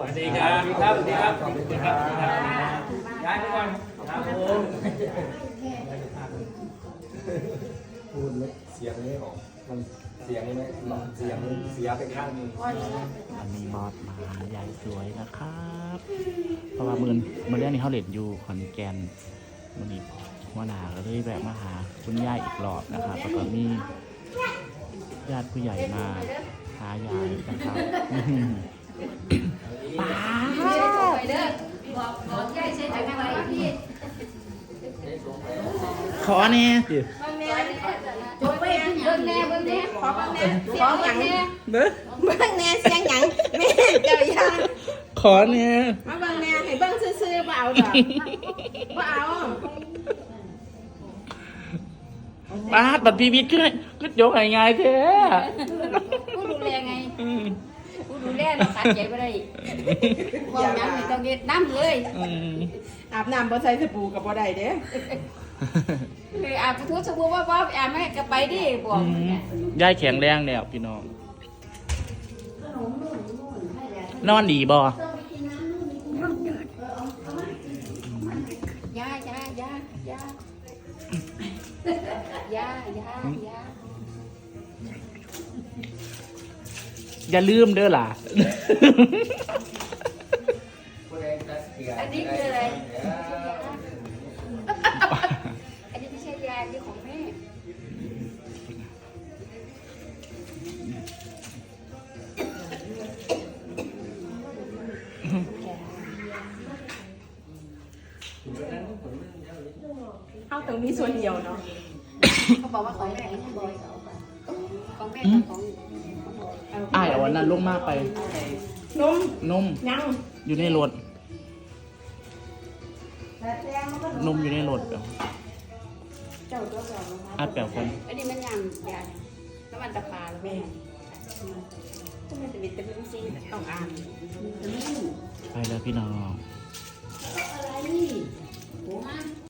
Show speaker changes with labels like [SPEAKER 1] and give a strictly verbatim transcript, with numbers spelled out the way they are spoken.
[SPEAKER 1] วัสดีครับสวัสดีครับสวัสดีครับสวัสดีครับย้ายไปก่อนครับผม
[SPEAKER 2] พูดเลยเสียงไม่ออกมันเสียงไม่หลอนเสียงเสียไปข้างนึง
[SPEAKER 3] อันนี้บอสมาใหญ่สวยนะครับเพราะว่ามือมือเรื่องนี้เขาเล่นอยู่ขอนแก่นวันนี้หัวหน้าก็เลยแวะมาหาคุณย่าอีกรอบนะครับแล้วก็มีญาติผู้ใหญ่มาหายายนะครับป้าขอเนี่ยสิ
[SPEAKER 4] จบไปเบิ่งแน่เบิ่งแน่ขอเบิ่งแน่ขอหยังเบิ่งเบิ่งแน่เสียงหยังแม่เจ้าย่า
[SPEAKER 3] ขอเนี่ย
[SPEAKER 4] มาเบิ่งแน่ให้เบิ่งซื่อๆบ่เอาดอกบ่เอา
[SPEAKER 3] ป้าบัดพีวิทย์ขึ้นก็ยกง่ายๆแท้
[SPEAKER 4] ผู้ดูแลไงผู้ดูแลเราตัดใจบ่ได้บ่หยังนี่ต้องเฮ็ดน้ำเลย
[SPEAKER 5] อาบน้ำบ่ใส่สบู่กับบ่ได้เด้
[SPEAKER 4] เลยอาบทุกสบู่ว่าบ่อาบแม่ก็ไปดิบ่
[SPEAKER 3] ยายแข็งแรงแล้วพี่น้องนอนดีบ่
[SPEAKER 4] ยายายายายายายา
[SPEAKER 3] อย่าลืมเด้อล่ะ
[SPEAKER 4] อันนี้คืออะไรอันนี้ไม่ใช่ยาอันนี้ของแม่
[SPEAKER 5] เอาตรงนี้ส่วนเดียวเนาะ
[SPEAKER 4] เขาบอกว่าของแม่ของแม่ของ
[SPEAKER 3] อ้ายเอาวันนั้นลงมาไป
[SPEAKER 5] นม
[SPEAKER 3] นม
[SPEAKER 5] ยัง
[SPEAKER 3] อยู่ในรถนมอยู่ในรถเปล่าอ้าแปลวคน
[SPEAKER 4] อันนี้มันยังยาน้ำมันตะปาแล้วแม่ก็มันจะเป็นแต่เป็นซีต้องอ่าน
[SPEAKER 3] ไปแล้วพี่น้อง